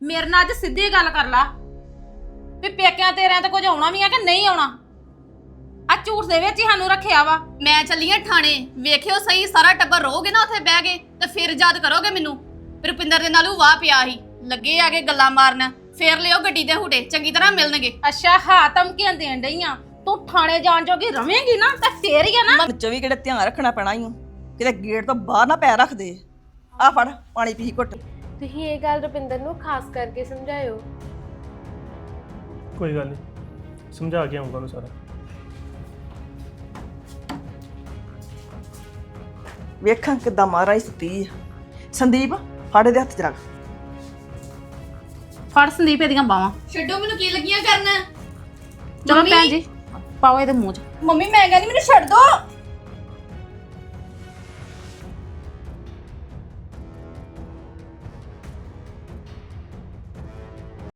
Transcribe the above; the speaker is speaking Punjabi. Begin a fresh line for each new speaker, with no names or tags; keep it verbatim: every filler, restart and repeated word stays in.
ਮੇਰੇ ਨਾਲ ਅੱਜ ਸਿੱਧੀ ਗੱਲ ਕਰ ਲਾ ਵੀ ਪੇਕਿਆਂ ਤੇਰਿਆਂ ਤੇ ਕੁਝ ਆਉਣਾ ਵੀ ਆ ਕਿ ਨਹੀਂ ਆਉਣਾ। ਆ ਝੂਠ ਦੇ ਵਿੱਚ ਹੀ ਸਾਨੂੰ ਰੱਖਿਆ ਵਾ।
ਮੈਂ ਚੱਲੀ ਆ ਥਾਣੇ, ਵੇਖਿਓ ਸਹੀ ਸਾਰਾ ਟੱਬਰ ਰਹੋਗੇ ਨਾ ਉੱਥੇ ਬਹਿ ਕੇ ਤੇ ਫਿਰ ਯਾਦ ਕਰੋਗੇ ਮੈਨੂੰ। ਰੁਪਿੰਦਰ ਦੇ ਨਾਲ ਉਹ ਵਾਹ ਪਿਆ ਸੀ, ਲੱਗੇ ਆਗੇ ਗੱਲਾਂ ਮਾਰਨ। ਫੇਰ ਲਿਓ ਗੱਡੀ ਦੇ ਹੂਟੇ, ਚੰਗੀ ਤਰ੍ਹਾਂ ਮਿਲਣਗੇ।
ਅੱਛਾ ਹਾਂ ਧਮਕੀਆਂ ਦੇਣ ਡਈਆਂ, ਤੂੰ ਥਾਣੇ ਜਾਣ ਜੋਗੀ ਰਵੇਂਗੀ ਨਾ ਤੇ ਫੇਰ ਹੀ ਆ ਨਾ।
ਚੌਵੀ ਕਿਹੜੇ ਧਿਆਨ ਰੱਖਣਾ ਪੈਣਾ ਈ ਓ, ਕਿਤੇ ਗੇਟ ਤੋਂ ਬਾਹਰ ਨਾ ਪੈਰ ਰੱਖ ਦੇ। ਆ ਫੜ ਪਾਣੀ ਪੀ ਘੁੱਟ।
ਤੁਸੀਂ ਇਹ ਗੱਲ ਰੁਪਿੰਦਰ ਨੂੰ ਖਾਸ ਕਰਕੇ ਸਮਝਾਇਓ।
ਕੋਈ ਗੱਲ ਨਹੀਂ, ਸਮਝਾ ਕੇ ਆਉਂਗਾ ਉਹਨੂੰ ਸਾਰਾ।
ਵੇਖਾਂ ਕਿੱਦਾਂ ਮਾਰਾਂ ਸੁੱਤੀ ਆ। ਸੰਦੀਪ ਫੜ ਦੇ ਹੱਥ ਚ ਰੱਖ।
ਫੜ ਸੰਦੀਪ ਇਹਦੀਆਂ ਬਾਵਾਂ।
ਛੱਡੋ ਮੈਨੂੰ, ਕੀ ਲੱਗੀਆਂ ਕਰਨ।
ਚਲੋ ਭੈਣ ਜੀ ਪਾਓ ਇਹਦੇ ਮੂੰਹ 'ਚ।
ਮੰਮੀ ਮੈਂ ਕਹਿੰਦੀ ਮੈਨੂੰ ਛੱਡ ਦੋ।